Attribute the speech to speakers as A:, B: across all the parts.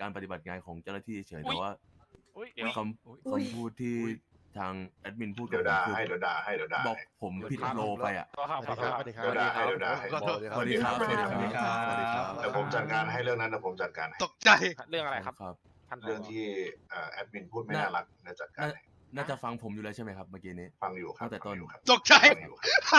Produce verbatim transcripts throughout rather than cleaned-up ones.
A: การปฏิบัติงานของเจ้าหน้าที่เฉยแต่ว่า
B: เดี๋ยว
A: คำคำพูดที่ทางแอดมินพูดกั
C: เดี๋
A: บ
C: ยว
A: ผม
C: ด่า
A: คือ
C: ให้เดี๋ยวด่าให้เดี๋ยวด่า
A: บอกผมผิดโลไปอ่ะ
B: สวัสดีครับสวัสดีครับ
C: เดี๋ยวด่าให้เดี๋ยวด่าให้
A: สวัสดีครับสวัสดีครับ
D: สวัสดีครับ
A: สวัสดีครับ
C: เดี๋ยวผมจัดการให้เรื่องนั้นเดี๋ยวผมจัดการให้
D: ตกใจ
B: เรื่องอะไรครับ
A: ครับ
B: ท่านผ
C: เรื่องที่เอ่อแอดมินพูดไม่น่ารักเดี๋ยวจัดการ
A: น่า
C: ให้
A: น่าจะฟังผมอยู่แล้วใช่ไหมครับเมื่อกี้นี้
C: ฟังอยู่ครับ
A: ตั้งแต่ต้น
C: ฟัอยู่ครับ
D: ตกใจ
C: ฟังอยู่ครับ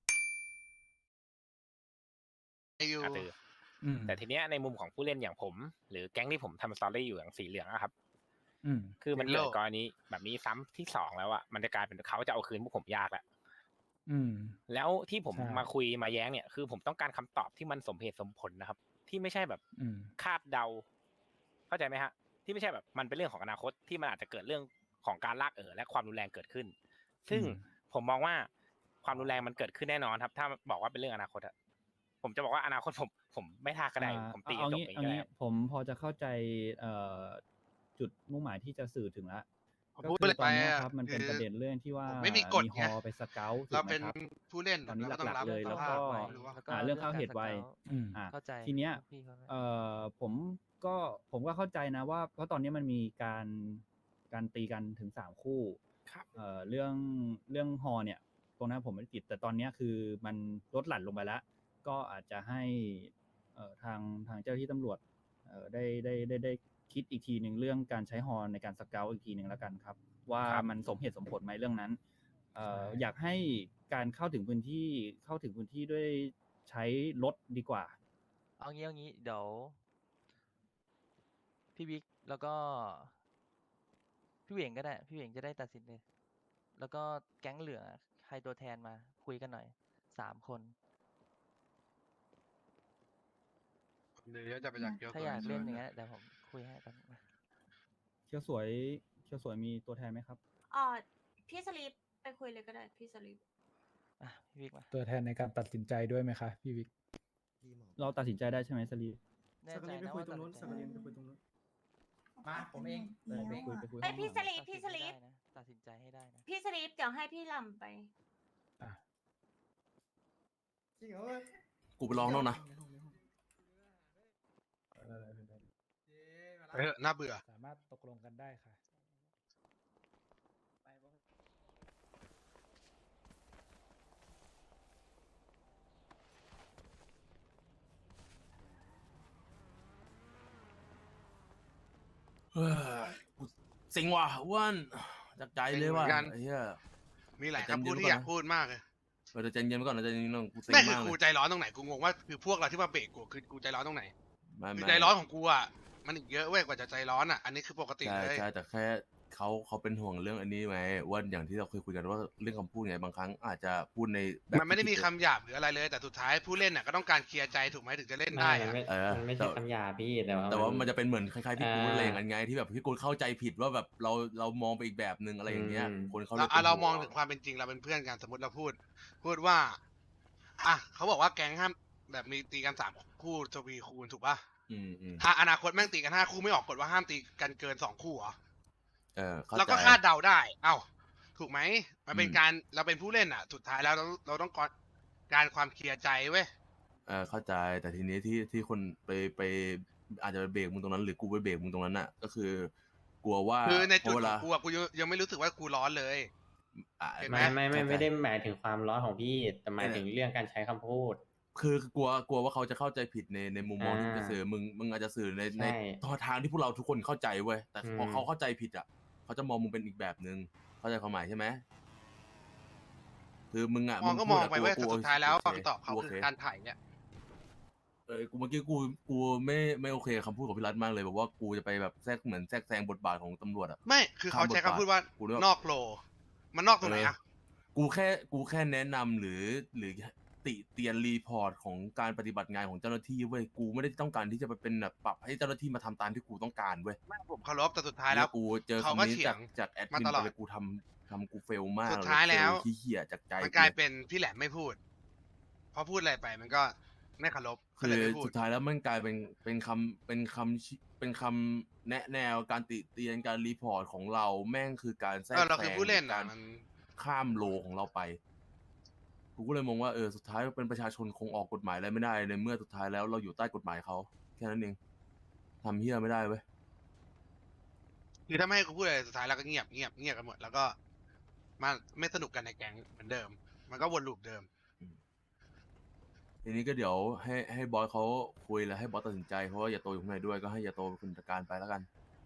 D: อยู่
B: อ่ะตืออแต่ทีเนี้ยในมุมของผู้เล่นอย่างผม หรือแก๊งที่ผมทำสตอรี่อยู่อย่างสีเหลืองอะครับ
E: อืม
B: คือมันเกิดกรณีแบบนี้ซ้ำที่สองแล้วอะมันจะกลายเป็นเขาจะเอาคืนพวกผมยากแล้ว
E: อืม
B: แล้วที่ผม
E: ใช่
B: มาคุยมาแย้งเนี่ยคือผมต้องการคำตอบที่มันสมเหตุสมผลนะครับ ที่ไม่ใช่แบบ
E: อืม
B: คาดเดา เข้าใจไหมฮะ ที่ไม่ใช่แบบมันเป็นเรื่องของอนาคตที่มันอาจจะเกิดเรื่องของการลากเอ๋อและความรุนแรงเกิดขึ้น ซึ่ง
E: อืม
B: ผมมองว่าความรุนแรงมันเกิดขึ้นแน่นอนครับ ถ้าบอกว่าเป็นเรื่องอนาคตอะผมจะบอกว่าอนาคตผมผมไม่ท่าก็ได้
E: อ่า
B: ผมตี
E: เอา
B: จบ
E: งี้
B: ไป
E: เอา
B: ก็ได้
E: งี้
B: ครับ
E: ผมพอจะเข้าใจเอ่อจุดมุ่งหมายที่จะสื่อถึงละ
D: ผม
E: ก็
D: พูด
E: คือ
D: เลย
E: ตอนเนี้ย
D: ไปอะ
E: ครับมันเป็น
D: คือ
E: ประเด็นเรื่องที่ว่า
D: ผมไม่มีกฎ
E: มีฮ
D: ไง
E: อไปสเกลถู
D: เรา
E: กไหม
D: เป็น
E: ครับ
D: ผู้เล่น
E: ตอนนี้
D: เราก็ต้
E: ห
D: อง
E: ลัก
D: รับ
E: ๆเลย
D: ส
E: แล้ว
D: ภา
E: ก็
D: พไว้หรือว่า
E: อ่าเรื่องเข้าเหตุไวอืม
F: เข้าใจ
E: ทีเนี้ย
F: พี่เข้าใจ
E: เอ่อผมก็ผมก็เข้าใจนะว่า เพราะตอนนี้มันมีการการตีกันถึงสามคู่
B: ครับ
E: เอ่อเรื่องเรื่องฮอเนี่ย ตรงนั้นผมไม่ได้ติดแต่ตอนเนี้ยคือมันลดหลั่นลงไปแล้ว ก็อาจจะให้เอ่อทางทางเจ้าหน้าที่ตำรวจเอ่อได้ได้ได้ได้คิดอีกทีหนึ่งเรื่องการใช้ฮอในการสเกลอีกทีหนึ่งแล้วกันครับ ว่า
B: ครับ
E: มันสมเหตุสมผลไหมเรื่องนั้นเอ่อ
F: ใช่
E: อยากให้การเข้าถึงพื้นที่เข้าถึงพื้นที่ด้วยใช้รถดีกว่า
F: เอางี้เอางี้เดี๋ยวพี่บิ๊กแล้วก็พี่เหวงก็ได้ พี่เหวงจะได้ตัดสินเลย แล้วก็แก๊งเหลือใครตัวแทนมาคุยกันหน่อยสามคน
D: เดี๋ยวจะไปจากเกียว
F: ถ้าอยากเล่นอย่างเงี้ยเดี๋ยวผมคุยให้แป๊บนึงนะ
E: เคียวสวยเคียวสวยมีตัวแทนไหมครับ
G: อ๋อพี่สลีปไปคุยเลยก็ได้พี่สลีป
F: อ่ะพี่บิ๊กมา
H: ตัวแทนในการตัดสินใจด้วยไหมคะพี่วิก
E: เราตัดสินใจได้ใช่ไหมสลีฟ
F: แน่ใจนะว่าตัดสินใจได้
H: มาผมเอง
E: ไปคุยไปคุย
G: ไอย
E: ห้อง
G: พี่
E: ห
G: ส
E: ลัง
G: ลีปพี่สลีป
F: ตัดสินใจให้ได้นะ
G: พี่สลีปเดี๋ยวให้พี่ลำไป
A: กูไปร้องแล้วนะ
D: เออน่าเบื่อ
H: สามารถตกลงกันได้ค่ะ
A: เฮ้ยกูสิงว่ะอ้ว่านจากใจเลยว่ะ
D: เซ็งเหมือนกัน
A: ไอ้เหี้ย
D: มีหลาย
A: แต่
D: คำพูด
A: จำเย็น
D: ที่อยาก
A: ก่อนนะ
D: พูดมากเลย
A: เราจะใจเย็นไปก่อนเราจะเย็นก่อนกูสิง
D: ไม่คือ
A: มากเล
D: กู
A: ย
D: ใจร้อนตรงไหนกูงงว่าคือพวกเราที่มาเบรกกูคือกูใจร้อนตรงไหน
A: ไม่
D: คือ
A: ไม่
D: ใจร้อนของกูอ่ะมันอีกเยอะเว้ยกว่าจะใจร้อนอ่ะอันนี้คือปกติ
A: ใช่
D: เลย
A: ใช่แต่แค่เขาเขาเป็นห่วงเรื่องอันนี้ไหมว่าอย่างที่เราเคยคุยกันว่าเรื่องคำพูดไงบางครั้งอาจจะพูดในแบบ
D: มันไม่ได้มี
A: ที่
D: คำหยาบหรืออะไรเลย แต่สุดท้ายผู้เล่นน่ะก็ต้องการเคลียร์ใจถูกไหมถึงจะเล่นได้
I: ไม่
D: อะ
I: ไม่
A: เออ
I: มันไม่ใช่
A: แต่
I: คำหยาบพี่แต่ว่า
A: แต่ว่ามันจะเป็นเหมือนคล้ายๆพี่กูด
I: อ่า
A: อะไรอย่างนั้นไงที่แบบพี่กูดเข้าใจผิดว่าแบบเราเรามองไปอีกแบบนึงอะไรอย่างเงี้ย
I: อืม
A: คนเขาล
D: เรา
A: ย
D: อ่ะ
A: ป็น
D: เรา
A: ห่ว
D: มองถึงความเป็นจริงเราเป็นเพื่อนกันสมมติเราพูด พูดว่าอ่ะเขาบอกว่าแก๊งห้ามแบบมีตีกันสามคู่ทวีคูณถูกป่ะ
A: อืมอืม
D: อ่ะอนาคตแม่งตีกันห้าคู่ไม่ออกกฎว่าห้ามตีกันเกินสองคู่เหรอ
A: เออเข้า
D: เราก็
A: ใจ
D: คาดเดาได้ เอ้า ถูกไหม มันเป็น
A: อืม
D: การ เราเป็นผู้เล่นอ่ะ สุดท้ายแล้วเราเราต้องการการความเคลียร์ใจเว้ย
A: เออเข้าใจแต่ทีนี้ที่ที่คนไปไปอาจจะไปเบรกมึงตรงนั้น หรือกูไปเบรกมึงตรงนั้นน่ะ ก็คือ กลัวว่า
D: คือในจุด
A: เพราะเว
D: ขอ
A: ลาง
D: กูอ่ะ กูยังยังไม่รู้สึกว่ากูร้อนเลย
A: อ่ะ
D: เห็นไหม
I: ไม่ไม่ไม่
A: เข้าใจ
I: ไม่ได้หมายถึงความร้อนของพี่แต่หมาย
A: เออ
I: ถึงเรื่องการใช้คำพูด
A: คือคือกลัวกลัวว่าเขาจะเข้าใจผิดในในมุมมองที่
I: อ่า
A: จะสื่อมึงมึงอาจจะสื่อใน
I: ใช่
A: ในทางที่พวกเราทุกคนเข้าใจเว้ยแต่พอ
I: อืม
A: เขาเข้าใจผิดอ่ะเขาจะมองมึงเป็นอีกแบบนึงเข้าใจความหมายใช่ไหมคือมึงอ่ะ
D: มองก็
A: พู
D: ม
A: ด
D: อง
A: อะ
D: ไปเว้ย
A: กู
D: แต่
A: กู
D: สุดท้ายแล้ว
A: โอเค
D: คำตอบเขา
A: กูโอ
D: คือ
A: เค
D: การถ่ายเนี่ย
A: เออกูเมื่อกี้กูกูไม่ไม่โอเคกับคำพูดของพี่รัฐมากเลยบอกว่ากูจะไปแบบแทรกเหมือนแทรกแซงบทบาทของตำรวจอ่ะ
D: ไม่ คือเขาใช้
A: ข้ามบทบาท
D: คำพูดว่า
A: กูนึกว่า
D: นอกโล มันนอกตรงไหนอ่ะ
A: กูแค่กูแค่แนะนำหรือหรือติเตียนรีพอร์ตของการปฏิบัติงานของเจ้าหน้าที่เว้ยกูไม่ได้ต้องการที่จะไปเป็นแบบปรับให้เจ้าหน้าที่มาทำตามที่กูต้องการเว้ย
D: ไม่ผมเคารพแต่สุดท้ายแล้ว
A: กูเจอ
D: เขาก็
A: คำนี้
D: เถีย
A: จาก
D: ง
A: จากแอด
D: มา
A: มิน
D: ตลอด
A: ไปเลยกูทำทำกูเฟลมาก
D: สุดท้ายแล้ว
A: เฟขี้เหี้ยจากใจ
D: มันกลายเป็นพี่แหลมไม่พูด พอพูดอะไรไปมันก็ไม่เคารพก็
A: คื
D: เลย
A: อ
D: ไม่พูด
A: สุดท้ายแล้วมันกลายเป็นเป็นคำเป็นคำชิเป็นคำแนะแนวการติเตียนการรีพอร์ตของเราแม่งคือการแทรก
D: เออเรา
A: แซ
D: คือง ผู้เล่น
A: กา
D: อ่ะ
A: ร
D: มัน
A: ข้ามโลของเราไป กูก็เลยมองว่าเออสุดท้ายเป็นประชาชนคงออกกฎหมายอะไรไม่ได้ในเมื่อสุดท้ายแล้วเราอยู่ใต้กฎหมายเขาแค่นั้นเองทำเฮี้ยไม่ได้เว้ย
D: คือถ้าไม่ให้กูพูดอะไรสุดท้ายเราก็เงียบเงียบเงียบกันหมดแล้วก็มาไม่สนุกกันในแก๊งเหมือนเดิม มันก็วนลูปเดิม
A: ทีนี้ก็เดี๋ยวให้ให้บอสเขาคุยแล้วให้บอสตัดสินใจเพราะว่าอย่าโตอยู่ข้างในด้วยก็ให้อย่าโตเป็นคนจัดการไปแล้วกัน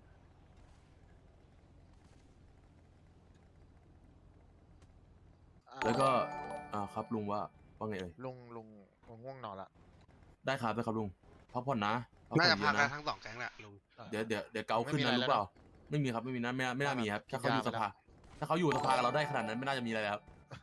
A: แล้วก็อ่าครับลุงว่าว่าไงเอ่ย
J: ลุงลุงลุงง่วงนอนละ
A: ได้ครับได้ครับลุงพักผ่อนนะพัก
D: น่า
A: ผ่อ
D: จะ
A: นเย
D: พัก
A: อะ
D: กัน
A: นะ
D: ทั้งสองแก๊งแหละลุง
A: เดี๋ยวเดี๋ยวเดี๋ยวเกาขึ้นนะรู้เปล่าไม่มีครับไม่มีนะไม่น่าไม่น่ามีครับถ้าเขาอยู่สภาถ้าเขาอยู่สภากับเราได้ขนาดนั้นไม่น่าจะมีอะไรเลยครับ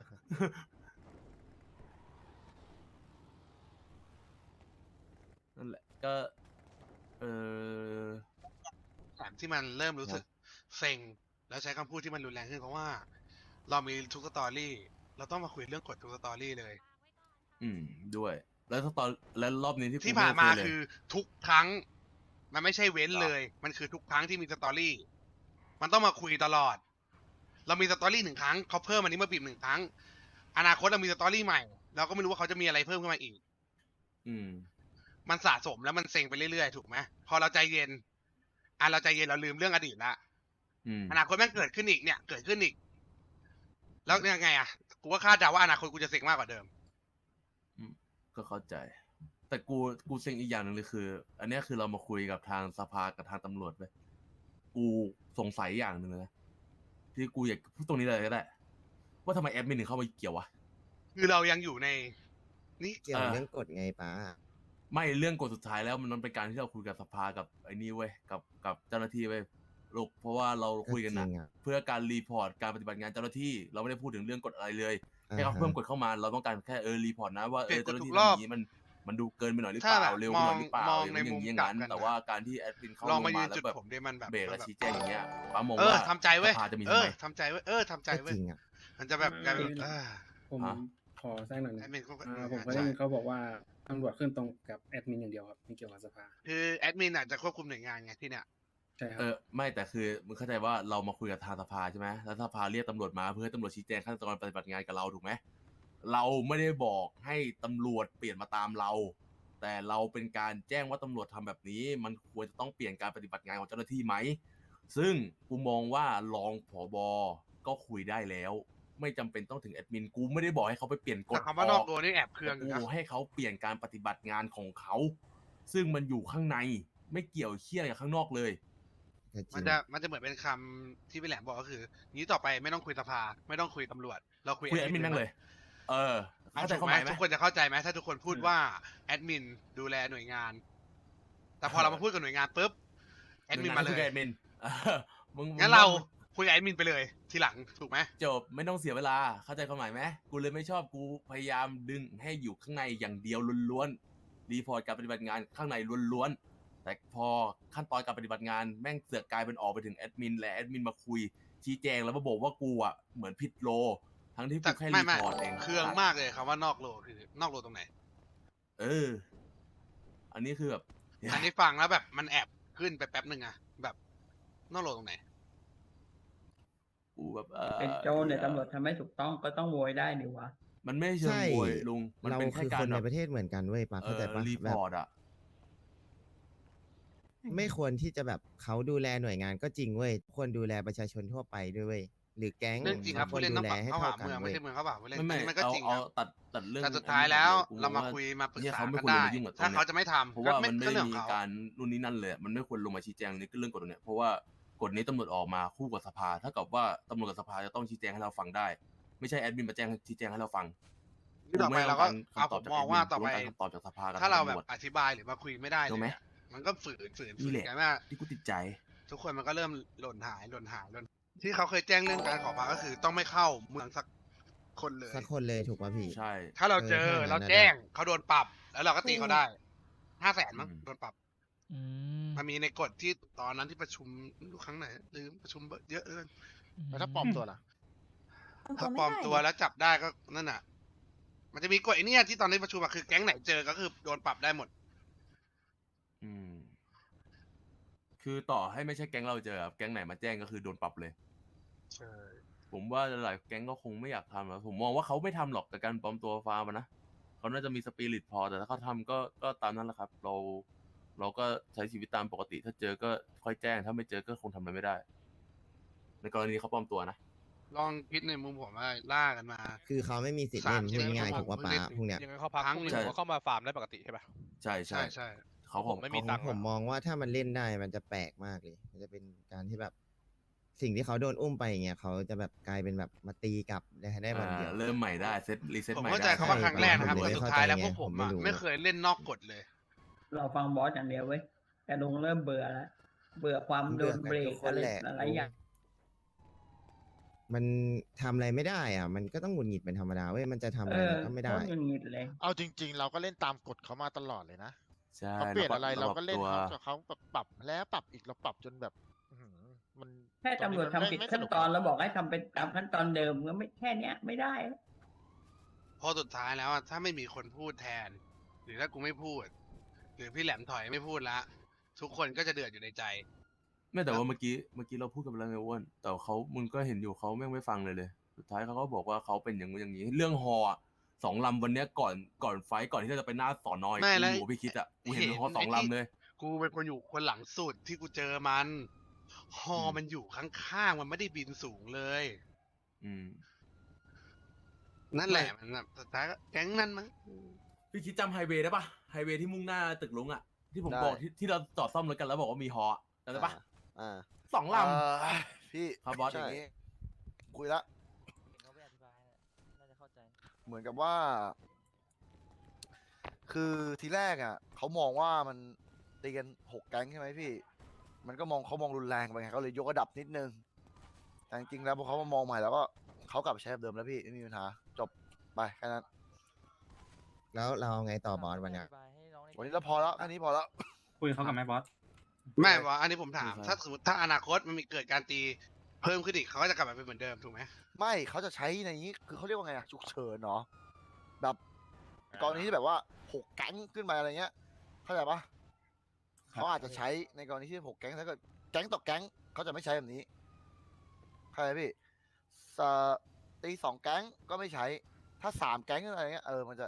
A: นั่นแหละก็เออ
D: แถมที่มันเริ่มรู้สึกเซ็งแล้วใช้คำพูดที่มันรุนแรงขึ้นเพราะว่า เรามีทุกสตอรี่ เราต้องมาคุยเรื่องกฎทุกสตอรี่เลย
A: อืมด้วย แล้วถ้าตอนแล้วรอบนี้ที่กู
D: ที่ผ่านมา
A: ไโเเลย
D: คือทุกครั้ง มันไม่ใช่เว้นเลย มันคือทุกครั้งที่มีสตอรี่ มันต้องมาคุยตลอด เรามีสตอรี่หนึ่งครั้งเขาเพิ่มอันนี้มาบีบหนึ่งครั้ง อนาคตเรามีสตอรี่ใหม่ เราก็ไม่รู้ว่าเขาจะมีอะไรเพิ่มขึ้นมาอีก
A: อืม
D: มันสะสมแล้วมันเซ็งไปเรื่อยๆถูกไหมพอเราใจเย็นอ่ะเราใจเย็นเราลืมเรื่องอดีตละ
A: อืม
D: อนาคตแม่งเกิดขึ้นอีกเนี่ย เกิดขึ้นอีก แล้วยังไงอ่ะ กูก็คาดเดาว่าอนาคตกูจะเซ็งมากกว่าเดิม
A: ก็เข้าใจ แต่กูกูเซ็งอีกอย่างหนึ่งเลยคือ อันเนี้ยคือเรามาคุยกับทางสภากับทางตำรวจไปกูสงสัยอย่างหนึ่งเลยนะที่กูอยากพูดตรงนี้เลยก็ได้ ว่าทำไมแอดมินถึงเข้ามาเกี่ยววะ
D: คือเรายังอยู่ใน นี่
A: เกี่ยวเรื่องกฎไงป้าไม่เรื่องกฎสุดท้ายแล้วมันเป็นการที่เราคุยกับสภากับไอ้นี่เว้ยกับกับเจ้าหน้าที่เว้ยลูกเพราะว่าเราคุยกันนะเพื่อการรีพอร์ตการปฏิบัติงานเจ้าหน้าที่ เราไม่ได้พูดถึงเรื่องกฎอะไรเลยให้เขาเพิ่มกฎเข้ามาเราต้องการแค่เออรีพอร์ตนะว่าเออเจ้าหน้าที่ทำอย่างนี้มันมันดูเกินไปหน่อยหรือเป
D: ถ้าแบ
A: ล่า
D: บ
A: เร็ว
D: ม
A: ไป
D: อ
A: ห
D: ง
A: น่อยหรือเปล่าม
D: อง
A: หรือ
D: ใน
A: มันอ
D: มุ
A: ย่าม งนี้อย่าง
D: กลับ
A: นั้น
D: กัน
A: แต่
D: นะ
A: ว่าการที่แอดมินเข้า
D: ลอง
A: ล
D: มาง ยื
A: มาน แล้
D: จุด
A: วแบบ
D: ผมด้วยมันแบบ
A: เบรกและ
D: แบบ
A: ชี้แจงอย่างเงี้ยป้ามอง
D: เออ
A: ว่า
D: ทำใจเว้ย
A: สภาจะมี
D: เอ
A: ทำ
D: อ
A: ไม
D: ทำใจเว้ยเออทำใจเว้ยมันจะแบบกลายเป็นเออ
H: ผม
A: ฮะ
H: ขอแทรกหน่อย
D: แอ
H: นะ
D: ดมินก็
H: อ่าผมก็ได้ยินเขาบอกว่าตำรวจขึ้นตรงกับแอดมินอย่างเดียวครับไม่เกี่ยวกับสภา
D: คือแอดมินอาจจะควบคุมหน่วยงานไงที่เนี่ย
H: ใช่ครับ
A: เออไม่แต่คือมึงเข้าใจว่าเรามาคุยกับทางสภาใช่ไหมแล้วสภาเรียกตำรวจมาเพื่อให้ตำรวจชี้แจงขั้นตอนปฏิบัติงานกับเราถูกไหมเราไม่ได้บอกให้ตำรวจเปลี่ยนมาตามเรา แต่เราเป็นการแจ้งว่าตำรวจทำแบบนี้ มันควรจะต้องเปลี่ยนการปฏิบัติงานของเจ้าหน้าที่ไหมซึ่งกูมองว่ารองผบก็คุยได้แล้ว ไม่จำเป็นต้องถึงแอดมินกูไม่ได้บอกให้เขาไปเปลี่ยนกฎ
D: แต่คำว่านอกตัวนี่แอบเคืองอยู่
A: กู
D: นะ
A: ให้เขาเปลี่ยนการปฏิบัติงานของเขา ซึ่งมันอยู่ข้างในไม่เกี่ยวเคี่ยอะไรกับข้างนอกเลย
D: มันจะมันจะเหมือนเป็นคำที่พี่แหลมบอกก็คือ นี้ต่อไปไม่ต้องคุยสภา ไม่ต้องคุยตำรวจ เราคุย
A: คุยแอดมินแม่งเลย เออ
D: เข้า
A: เข้า
D: ใจ
A: ใจ
D: เข้า
A: ความหมายไหม
D: ทุกคนจะเข้าใจไหมถ้าทุกคนพูดว่าแอดมินดูแลหน่วยงาน แต่พอเรามาพูดกับหน่วยงานปุ๊บแอดมินมาเล
A: คุย
D: ย
A: กับแอดมินเออมึง
D: งั้นเราคุยกับแอดมินไปเลย ทีหลังถูกไหม
A: จบไม่ต้องเสียเวลาเข้าใจความหมายไหมกูเลยไม่ชอบกูพยายามดึงให้อยู่ข้างในอย่างเดียวล้วนๆรีพอร์ตการปฏิบัติงานข้างในล้วนๆแต่พอขั้นตอนการปฏิบัติงานแม่งเสือกกลายเป็นออกไปถึงแอดมินและแอดมินมาคุยชี้แจงแล้วมาบอกว่ากูอ่ะเหมือนผิดโล ทั้งที่
D: แต่
A: กูแค่
D: ไม่
A: รี
D: ไม่
A: พอร์ตเอง
D: เครื่องมากเลยคำว่านอกโลคือนอกโลตรงไหน
A: เออ อันนี้คือแบบ
D: อันนี้ฟังแล้วแบบมันแอบขึ้นไปแป๊บหนึ่งอะแบบนอกโลตรงไหน
A: กูแบบเออ
K: เป็นโจรเนี่ยตำรวจทำไม่ถูกต้องก็ต้องโวยได้นี่วะ
A: มันไม่เชิงโวยลุงมัน
L: เรา
A: เป็นแค่
L: คือ
A: การ
L: คนใน
A: แบบ
L: ประเทศเหมือนกันเว้ยปา
A: เอ
L: เข้าใจ
A: อ
L: ปะ
A: รี
L: แบ
A: พ
L: บ
A: อร์ตอ่ะ
L: ไม่ควรที่จะแบบเขาดูแลหน่วยงานก็จริงเว้ยควรดูแลประชาชนทั่วไปด้วยเว้ยหรือแก๊ง
D: เรื่องจริงครับ
L: คว
D: ผู้
L: ร
D: เล่น
L: ดู
D: ต้อง
L: แล
D: ปรับ
L: ให้
D: เข้า
L: เท่า
D: หา
L: กัน
D: เมืองไม่
L: เว้ย
D: ใช่เมืองเข้าป่าผู้เล่น
A: ไม่
D: อัน
A: ไม่
D: นี้มันก็
A: เอา
D: จริง
A: เอา
D: ครับ
A: ตัดตัดเรื่อง
D: แต่สุดท้ายแล้ว
A: อันนี้
D: เรามา
A: ก่อนล
D: คุยมาปรึก
A: เนี่ย
D: ษา
A: เขาไม่
D: กัน
A: ควร
D: ได้
A: มายุ่งกับตรง
D: ถ้า
A: เนี้ย
D: เขาจะไม่ทำ
A: เพราะ
D: ก็
A: ว่า
D: ไม่
A: มันไม่
D: ก็
A: ได้
D: เรื่องข
A: มี
D: องเขา
A: การนู่นนี่นั่นเลยมันไม่ควรลงมาชี้แจงในเรื่องกฎตรงเนี้ยเพราะว่ากฎนี้ตำรวจออกมาคู่กับสภาถ้ากับว่าตำรวจกับสภาจะต้องชี้แจงให้เราฟังได้ ไม่ใช่แอดมินมาแจ้งชี้แจงให้เราฟัง
D: ที่ต่อไปเราก็เอาผมมองว่าต่อไป
A: คำตอบจากสภากับ
D: ถ้าเรา
A: ทง
D: แบ
A: ตำ
D: บ
A: วจ
D: อธิบายหรือมาคุยไม่ได้เล
A: ถู
D: ย
A: กไหม
D: เนี่ยมันก็ฝืนฝืนฝื
A: นี่
D: น
A: แหละ
D: กันว่า
A: ที่กูติดใจ
D: ทุกคนมันก็เริ่มหล่นหายหล่นหายหล่นที่เขาเคยแจ้งเรื่องการขอพักก็คือต้องไม่เข้าเมืองสักคนเลย
L: สักคนเลยถูกป่ะพี่
A: ใช่
D: ถ้าเราเจอ
L: เออถ้าอย่างนั้น
D: เรา
L: น่ะ
D: แจ้ง
L: ได้
D: เขาโดนปรับ แล้วเราก็ตีเขาได้ห้าแสนมั้ง
A: อืม
D: โดนปรับ
F: อืม
D: มันมีในกฎที่ตอนนั้นที่ประชุมครั้งไหนลืมประชุมเยอะเกิน
J: แล้วถ้าปลอมตัวล่ะ
D: ถ้าปลอมตัวแล้วจับได้ก็นั่นน่ะ มันจะมีกฎไอ้เนี่ยที่ตอนนี้ประชุมอะคือแก๊งไหนเจอก็คือโดนปรับได้หมด
A: อืม คือต่อให้ไม่ใช่แก๊งเราเจอครับแก๊งไหนมาแจ้งก็คือโดนปรับเลย
D: ใช่
A: ผมว่าหลายแก๊งก็คงไม่อยากทำแล้วผมมองว่าเขาไม่ทำหรอกกับการปลอมตัวฟาร์มอะนะเขาน่าจะมีสปิริตพอแต่ถ้าเขาทำก็ก็ตามนั้นแหละครับ เรา เราก็ใช้ชีวิตตามปกติ ถ้าเจอก็ค่อยแจ้ง ถ้าไม่เจอก็คงทำอะไรไม่ได้ในกรณีเขาปลอมตัวนะ
D: ลองคิดในมุมผมว่าล่ากันมา
L: คือเขาไม่มีสิทธิ์
D: สา
L: เล่
D: ม
L: น
D: ใช่
L: พูด
D: ไหม
L: ง่ายๆ
D: เขา
L: ถูกว่า
D: บอก
L: ป้า
D: เล่น
L: พวกเนี้ย
M: ยังไงเขาพัก
D: ครั้ง
M: พรุ่ง
D: หนึ่
M: นี้
D: ง
M: ผมก็เข้ามาฟาร์มได้ปกติใช่ปะ
A: ใช่ใช่
D: ใช่ใช่
A: เขา
M: ผมไม่มี
L: ของ
M: ตังค์
L: ผม
M: อะ
L: มองว่าถ้ามันเล่นได้มันจะแปลกมากเลย มันจะเป็นการที่แบบ สิ่งที่เขาโดนอุ้มไปอย่างเงี้ยเขาจะแบบกลายเป็นแบบมาตีกลับได้ได้วันเดียว
A: อ่าเริ่มใหม่ได้เซตรีเซ็ต
D: ผม
A: ใหม่
D: เข้าใจ
A: ได้
D: เขาว่าครั้งแรกนะครับ
L: ผม
D: แต่
L: เลย
D: สุดท้ายแล้ว
L: เข้า
D: พ
L: ใจ
D: วกผม
L: ไงผมไม่
D: อะ
L: รู้
D: ไม่เคยเล่นนอกกฎเลย
K: เราฟังบอสอย่างเดียวเว้ยแต่ลุงเริ่มเบื่อแล้ว เบื่อความโดนเบรกอะไรหลายๆอย่าง
L: มันทำอะไรไม่ได้อ่ะ มันก็ต้องหงุดหงิดเป็นธรรมดาเว้ย มันจะทำอะไรมันก็ไม่ได้
K: โคตรหงุดหงิดเลย
J: เอาจริง ๆ เราก็เล่นตามกฎเขามาตลอดเลยนะ
A: ใช่
J: เขาเปลี่ยนอะไรเราก็เล่น
A: ตัว
J: เขาแต่เขาแบบปรับแล้วปรับอีกเราปรับจนแบบอื้อหือมัน
K: แค่ตำรวจทำผิด
J: ไม่
K: ขั้น
J: สก
K: ตอนแล้วบอกให้ทำเป็นตามขั้นตอนเดิมก็ไม่แค่เนี้ยไม่ได้
D: เพราะสุดท้ายแล้วอะถ้าไม่มีคนพูดแทน หรือถ้ากูไม่พูด หรือพี่แหลมถอยไม่พูดละ ทุกคนก็จะเดือดอยู่ในใจ
A: ไม่แต่ว่าเมื่อกี้เมื่อกี้เราพูดกันไปแล้วไงอ้วนแต่เขามึงก็เห็นอยู่เขาแม่งไม่ฟังเลยเลยสุดท้ายเขาก็บอกว่าเขาเป็นอย่างนู้นอย่างนี้ เรื่องฮออะสองลำวันเนี้ยก่อนก่อนไฟท์ก่อนที่เราจะไปหน้าสอนอย
D: ไม่
A: กู
D: แล้ว
A: อยู่กับพี่คิดอ่ะกูเห็น
D: เห็น
A: ฮอสอง
D: ไอ้ที่
A: ลำเลย
D: กูเป็นคนอยู่คนหลังสุดที่กูเจอมันฮอ
A: อืม
D: มันอยู่ข้างๆมันไม่ได้บินสูงเลย
A: อืม
D: นั่นแหละมันแบบสุดท้ายก็แก๊งนั้นมั้ง
A: พี่คิดจำไฮเวย์ได้ปะไฮเวย์ที่มุ่งหน้าตึกลุงอ่ะที่ผม
N: ได้
A: บอกที่ที่เราจอดซ่อมรถกันแล้วบอกว่ามีฮอจำได้ปะ
N: อ่า
A: สองล
N: เอ่อพี่
A: ครับบอส
N: อย่างนี้คุยละ
F: เขาไม่อธิบายน่าจะเข้าใจ
N: เหมือนกับว่า คือทีแรกอ่ะเขามองว่ามันตีกันหกแก๊งใช่ไหมพี่ มันก็มองเขามองรุนแรงไปไงเขาเลยยกระดับนิดนึง แต่จริงๆแล้วพอเขามามองใหม่แล้วก็เขากลับไปใช้แบบเดิมแล้วพี่ไม่มีปัญหาจบไปแค่นั้น
L: แล้วเราเอาไงต่อบอสวันเนี้ย
N: วันนี้เราพอแล้วแค่นี้พอแล้ว
H: คุยกับเขากับแม่บอส
D: ไม่ว่าอันนี้ผมถาม
A: ครับ
D: ถ้าสมมติถ้าอนาคตมันมีเกิดการตีเพิ่มขึ้นอีกเขาก็จะกลับมาเป็นเหมือนเดิมถูกไหม
N: ไม่เขาจะใช้ในนี้คือเขาเรียกว่าไงอะฉุกเฉินเนาะแบบกรณีที่แบบว่าหกแก๊งขึ้นมาอะไรเงี้ยเข้าใจปะเขาอาจจะใช้ในกรณีที่หกแก๊งถ้าเกิดแก๊งต่อแก๊งเขาจะไม่ใช้แบบนี้เข้าใจพี่สตีสองแก๊งก็ไม่ใช้ ถ้าสามแก๊งอะไรเงี้ยเออมันจะ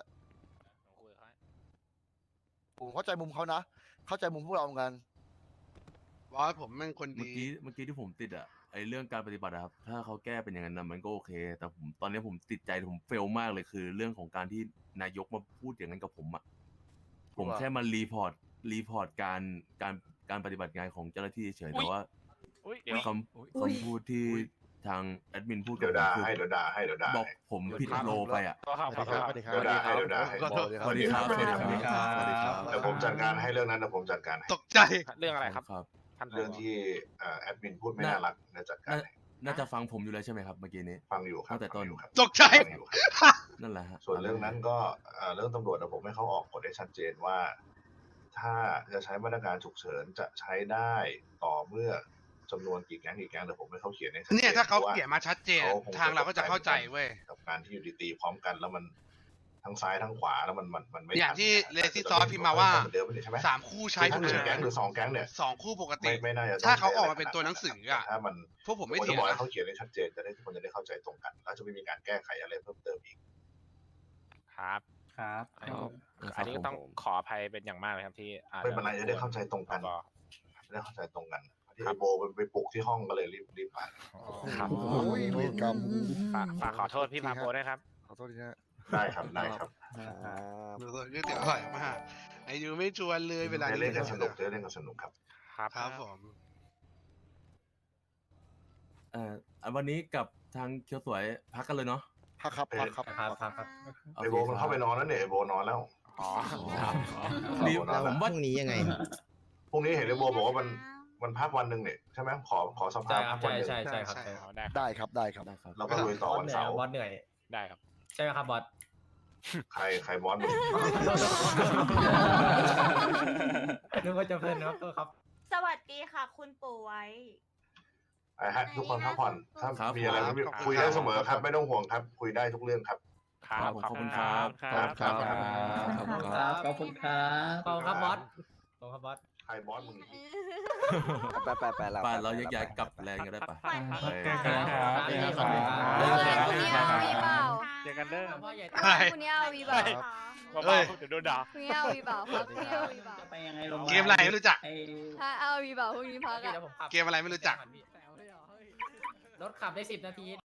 N: ผมเข้าใจมุมเขานะเข้าใจมุมพวกเราเหมือนกัน
D: บอสผมแม่งคน
A: เมื่อ
D: ดี
A: กี้เมื่อกี้ที่ผมติดอ่ะไอเรื่องการปฏิบัติอะครับถ้าเขาแก้เป็นอย่างนั้นนะมันก็โอเค แต่ผมตอนนี้ผมติดใจผมเฟลมากเลยคือ เรื่องของการที่นายกมาพูดอย่างนั้นกับผมอ่ะผม
N: ว่า
A: แค่มารีพอร์ตรีพอร์ตการการการปฏิบัติงานของเจ้าหน้าที่เฉยๆ
B: อุ๊
A: แต่
B: ย
A: ว่า
B: อุ๊ยเดี๋ยว
A: คำคำพูดที่ทางแอดมินพูด
C: เดี๋ยว
A: กับ
C: ด่า
A: ผม
C: ให้
A: คือ
C: เดี๋ยวด่าให้เดี๋ยวด่า
A: บอก
C: ให้
A: ผมผิดโลไปอ่ะ
B: ก็ครับ
J: สวัสดีครับสวัสดีครับ
C: เดี๋ยวด่าให้เดี๋ยวด่าให้
A: สวัสดีครับสวัสดีครับ
C: สวัสดีครับเดี๋ยวผมจัดการให้เรื่องนั้นเดี๋ยวผมจัดการให้
D: ตกใจ
B: เรื่องอะไรครับ
A: ครับ
B: ท่านผ
C: เรื่อง
B: บ
C: ที่เอ่อแอดมินพูดไม่น่ารักเดี๋ยวจัดการ
A: น่า
C: ให้
A: น่าจะฟังผมอยู่แล้วใช่ไหมครับเมื่อกี้นี้
C: ฟังอยู่ครับ
A: ตั้งแต่ต้น
C: ฟังอยู่ครับ
D: ตกใจ
C: ฟังอยู่ครับ
A: นั่นแหละฮะ
C: ส่วนเรื่องนั้นก็เอ่อเรื่องตำรวจนะผมให้เขาออกกฎให้ชัดเจนว่า ถ้าจะใช้มาตรการฉุกเฉินจะใช้ได้ต่อเมื่อจำนวนกี่แก๊งกี่แก๊งเดี๋ยวผมให้เขาเขียนให้ชัดเจน
D: เนี่ยถ้าเขา
C: พระว่
D: เขียนมาชัดเจน
C: เขาคง
D: ทางเราก็จะเข้าใจเว้ย
C: กับการที่อยู่ดีตีพร้อมกันแล้วมันทั้งซ้ายทั้งขวาแล้วมันมันมันไม่
D: อย่างที่
C: ทัน
D: เล
C: นี่ย
D: ซี่ซอสพิมพ์มาว่า
C: เหมือนเดิมไม่ใช่ไหม
D: สามคู่ใช้
C: ถ้า
D: ฉุก
C: หนึ่
D: เฉิ
C: งแก๊ง
D: น
C: หรือสองแก๊งเนี่ย
D: สองคู่ปกติ
C: ไม่ไม่น่าจะ
D: ถ้าเขา
C: ใช้
D: ออก
C: ะไร
D: มาเป็นตัวหนังสืออะ
C: แต่ถ้ามัน
D: พวกผมไม่
C: ควร
D: เถี
C: จะ
D: ยง
C: บอกให้
D: นะ
C: เขาเขียนให้ชัดเจนจะได้ทุกคนจะได้เข้าใจตรงกัน แล้วจะไม่มีการแก้ไขอะไรเพิ่มเติมอีก
B: ครับ
H: ครับ
B: อันนี้ก็ต้องขออภัยเป็นอย่างมากเลยครับที่อาจ
C: ไม่เป็นไรจะได้เข้าใจตรงกัน
B: ก็
C: จะได้เข้าใจตรงกันที่ไอโบไปปลุกที่ห้องก็เลยรีบรีบมา
B: ครับ
N: โอ้ยเวรกรรม
B: ฝากฝากขอโทษพี่พาโพด้วยครับ
N: ขอโทษทีนะ
C: ได้ครับได้ครับ
N: ครับ
D: เดี๋ยวก๋วยเตี๋ยวอร่อยมากไอ้ยูไม่ชวนเลยเวลา
C: ได้เล่นกันสนุกได้เล่นกันสนุกครับ
B: ครับ
D: ครับผม
A: เอ่ออ่ะวันนี้กับทางเคียวสวยพักกันเลยเนาะ
N: พักครับพักครับ
K: ครับครับครับ
C: ไอโบมันเข้าไปนอนแล้วเนี่ยไอโบนอนแล้ว
B: อ๋อ
A: นี่
C: ผมว่า
A: ผมว่า
L: พรุ่งนี้ยังไง
C: พรุ่งนี้เห็นไอโบบอกว่ามันมันพักวันหนึ่งเนี่ยใช่ไหมขอขอสภาพักวันหนึ่ง
D: ใช่ใช่ครับ
B: อ๋อได้ครับ
N: ได้ครับได้ครับ
A: ได้ครับ
C: เราก็ลุยต่อวันเสาร์
K: บอสเหนื่อย
B: ได้ครับ
K: ใช่ไหมครับบอส
C: ใครใครบอสมึง
K: นึกว่าจะเพลินนะครับครับ
G: สวัสดีค่ะ คุณปู่ไว้
C: ไอ้ฮะทุกคนพักผ่อนถ้า
A: ครับ
C: มีอะไรไม่คุยได้เสมอครับ ไม่ต้องห่วงครับ คุยได้ทุกเรื่องครับ
B: ครับ
A: ขอบคุณครับ
B: ครับ
A: ครับ
K: ขอบคุณครับขอบคุณครับขอบคุณครับบอสขอบคุณครับบอส
C: ใครบอสมึง
N: ไปไปไปแล้ว
A: ป่าเราแยกย้ายกลับแรงกันได้ปะ
G: ฝันดี
A: เออ
G: ค่ะ
H: ครับ
K: ขอบคุณครับ
G: เมื่อไหร่คุณเนี่ยเอาวีเปล่า
B: เจอกันเด้อ
G: เมื่อไหร่คุณเนี่ยเอาวีเปล่า
B: เฮ้ยเดี๋ยวโดนด่า
G: คุณเนี่ยเอาวีเปล่าครับคุณเนี่ยเอาวีเปล่า
K: จะไปยังไงลงา
D: เกมอะไรไม่รู้จัก
K: ไอ้
G: ถ้าเอาวีเปล่าพรุ่งนี้พักอะ
D: เกมอะไรไม่รู้จัก
M: รถขับได้สิบนาที